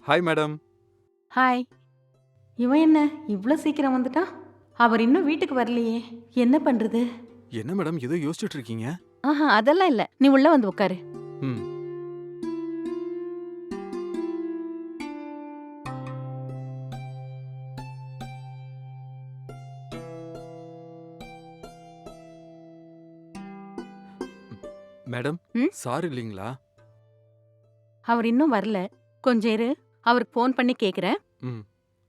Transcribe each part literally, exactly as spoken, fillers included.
Hi madam. Hi. இவன் என்ன இவ்ளோ சீக்கிரம் வந்துட்டான்? அவர் இன்னும் வீட்டுக்கு வரலையே! என்ன பண்றது? என்ன மேடம் ஏதோ யோசிச்சுட்டு இருக்கீங்க? ஆஹா, அதெல்லாம் இல்ல. நீ உள்ள வந்து உட்காரு. ம். மேடம், ம்? சார் இல்லீங்களா? அவர் இன்னும் வரல. கொஞ்சம் இரு. அவருக்கு ஃபோன் பண்ணி கேக்குறேன். ம்.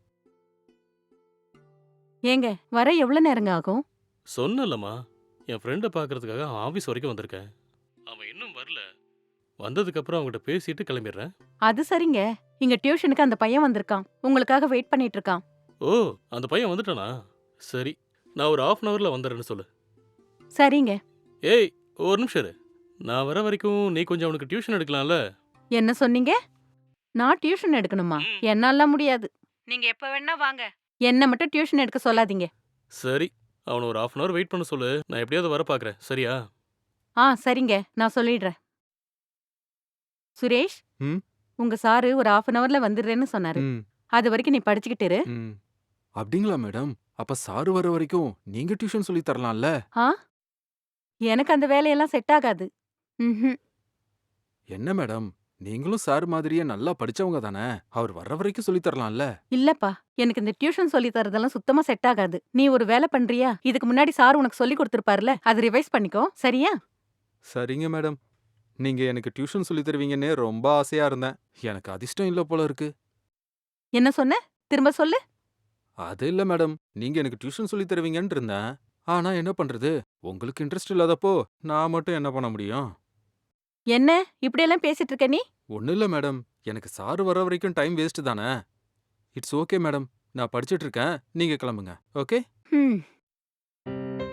ஏங்க, வர எவ்வளோ நேரங்க ஆகும்? சொன்னேன்லம்மா, என் ஃப்ரெண்ட பார்க்கறதுக்காக அவன் ஆஃபீஸ் வரைக்கும் வந்திருக்கேன். அவன் இன்னும் வரல. வந்ததுக்கப்புறம் அவன்கிட்ட பேசிட்டு கிளம்பிடுறேன். அது சரிங்க. இங்க டியூஷனுக்கு அந்த பையன் வந்திருக்கான். உங்களுக்காக வெயிட் பண்ணிட்டு இருக்கான். ஓ! அந்த பையன் வந்துட்டானா? சரி. நான் ஒரு ஹாஃப் அன் ஹவர்ல வந்துடுறேன்னு சொல்லு. சரிங்க. ஏய்! ஒரு நிமிஷம் இரு. நான் வர வரைக்கும் நீ கொஞ்சம் அவனுக்கு டியூஷன் எடுக்கலாம்ல? என்ன சொன்னீங்க? நான் டியூஷன் எடுக்கணுமா? ம். என்னால்லாம் முடியாது. நீங்க எப்ப வேணா வாங்க. என்ன மட்டும் டியூஷன் எடுக்க சொல்லாதீங்க. சரி. அவன ஒரு ஹாஃப் அன் ஹவர் வெயிட் பண்ண சொல்லு. நான் எப்படியாவது வர பார்க்குறேன். சரியா? ஆ, சரிங்க. நான் சொல்லிடுறேன். சுரேஷ், ம். உங்க சாரு ஒரு ஹாஃப் அன் ஹவர்ல வந்துடுறேன்னு சொன்னாரு. ம். அது வரைக்கும் நீ படிச்சுக்கிட்டு இரு. ம். அப்படிங்களா மேடம்? அப்ப சார் வர வரைக்கும் நீங்க டியூஷன் சொல்லி தரலாம்ல? ஆ? எனக்கு அந்த வேலையெல்லாம் செட் ஆகாது. ம்ஹும். என்ன மேடம்? நீங்களும் சார் மாதிரியே நல்லா படிச்சவங்க தானே? அவர் வர்ற வரைக்கும் சொல்லி தரலாம்ல? இல்லப்பா, எனக்கு இந்த டியூஷன் சொல்லி தரதெல்லாம் சுத்தமா செட் ஆகாது. நீ ஒரு வேலை பண்றியா? இதுக்கு முன்னாடி சார் உனக்கு சொல்லி கொடுத்திருப்பார்ல, அதை ரிவைஸ் பண்ணிக்கோ. சரியா? சரிங்க மேடம். நீங்க எனக்கு டியூஷன் சொல்லி தருவீங்கன்னு ரொம்ப ஆசையா இருந்தேன். எனக்கு அதிர்ஷ்டம் இல்ல போல இருக்கு. என்ன சொன்ன? திரும்ப சொல்லு. அது இல்ல மேடம். நீங்க எனக்கு டியூஷன் சொல்லி தருவீங்கன்னு இருந்தேன். ஆனா என்ன பண்றது? உங்களுக்கு இன்ட்ரெஸ்ட் இல்லாதப்போ நான் மட்டும் என்ன பண்ண முடியும்? என்ன இப்படியெல்லாம் பேசிட்டு இருக்க நீ? ஒண்ணும் இல்ல மேடம். எனக்கு சார் வர வரைக்கும் டைம் வேஸ்ட் தானே. It's okay madam. நான் படிச்சிட்டு இருக்கேன். நீங்க கிளம்புங்க. ஓகே? ம்.